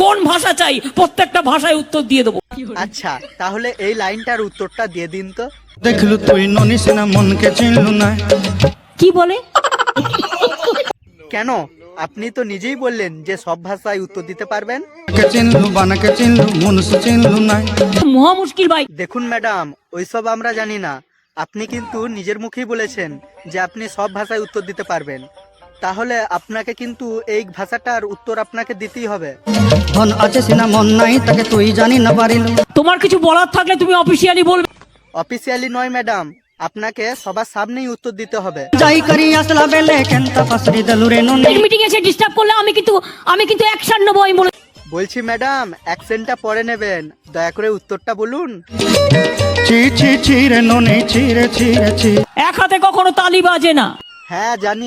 কোন ভাষা চাই প্রত্যেকটা ভাষায় উত্তর দিয়ে দেবো। আচ্ছা, তাহলে এই লাইনটার উত্তরটা দিয়ে দিন তো। দেখলু তুই ননিস না মনকে চিনলু না। কি বলে? কেন, আপনি তো নিজেই বললেন যে সব ভাষায় উত্তর দিতে পারবেন। কে চিনলু বানাকে চিনলু মনুষ চিনলু না। মহা মুশকিল ভাই। দেখুন ম্যাডাম, ওইসব আমরা জানি না। আপনি কিন্তু নিজের মুখেই বলেছেন যে আপনি সব ভাষায় উত্তর দিতে পারবেন। তাহলে আপনাকে কিন্তু এই ভাষাটার উত্তর আপনাকে দিতেই হবে। ধন আছে সিনা মন নাই তাকে তুই জানি না পারিলু। তোমার কিছু বলার থাকলে তুমি অফিসিয়ালি বলবে। অফিসিয়ালি নয় ম্যাডাম, আপনাকে সবার সামনেই উত্তর দিতে হবে। যাই করি আসলা বেলে কেনতা পাসরি দেলু রে ননি। মিটিং এসে ডিস্টার্ব করলে আমি কিন্তু অ্যাকশন নেবো। আমি বলে বলছি ম্যাডাম, অ্যাকসেন্টটা পরে নেবেন, দয়া করে উত্তরটা বলুন। ছি ছি ছি রে ননি ছি রে ছি রে ছি। এক হাতে কখনো তালি বাজে না। হ্যাঁ জানি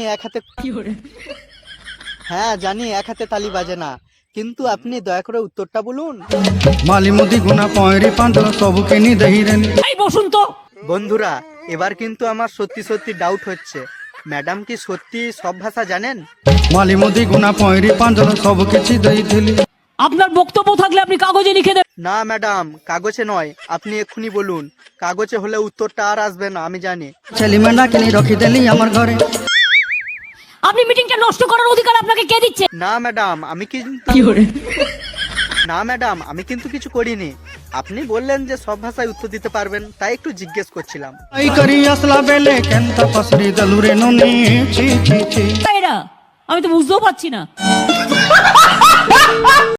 এক হাতে তালি বাজে না, কিন্তু আপনি দয়া করে উত্তরটা বলুন। মালি মুদি গুনা পয়রি পাঁদল সবু কিনি দেহি রে। এই বসুন তো। বন্ধুরা, এবার কিন্তু আমার সত্যি সত্যি ডাউট হচ্ছে, ম্যাডাম কি সত্যি সব ভাষা জানেন? মালি মুদি গুনা পয়রি পাঁদল সবু কিছু দেইছিলি। আপনার বক্তব্য থাকলে আপনি কাগজে লিখে দেন। না ম্যাডাম, কাগজে নয়, আপনি এক্ষুনি বলুন। কাগজে হলে উত্তরটা আর আসবে না, আমি জানি। ছেলি মেন্ডা কিনি রখি দেলি আমার ঘরে। আপনি মিটিংটা নষ্ট করার অধিকার আপনাকে কে দিচ্ছে? না ম্যাডাম, আমি কিন্তু কিছু করিনি। আপনি বললেন যে সব ভাষায় উত্তর দিতে পারবেন, তাই একটু জিজ্ঞেস করছিলাম। যাই করি আসলা বেলে কেনতা পাসরি দেলু রে ননি ছি ছি ছি। এরা আমি তো বুঝতেও পারছি না।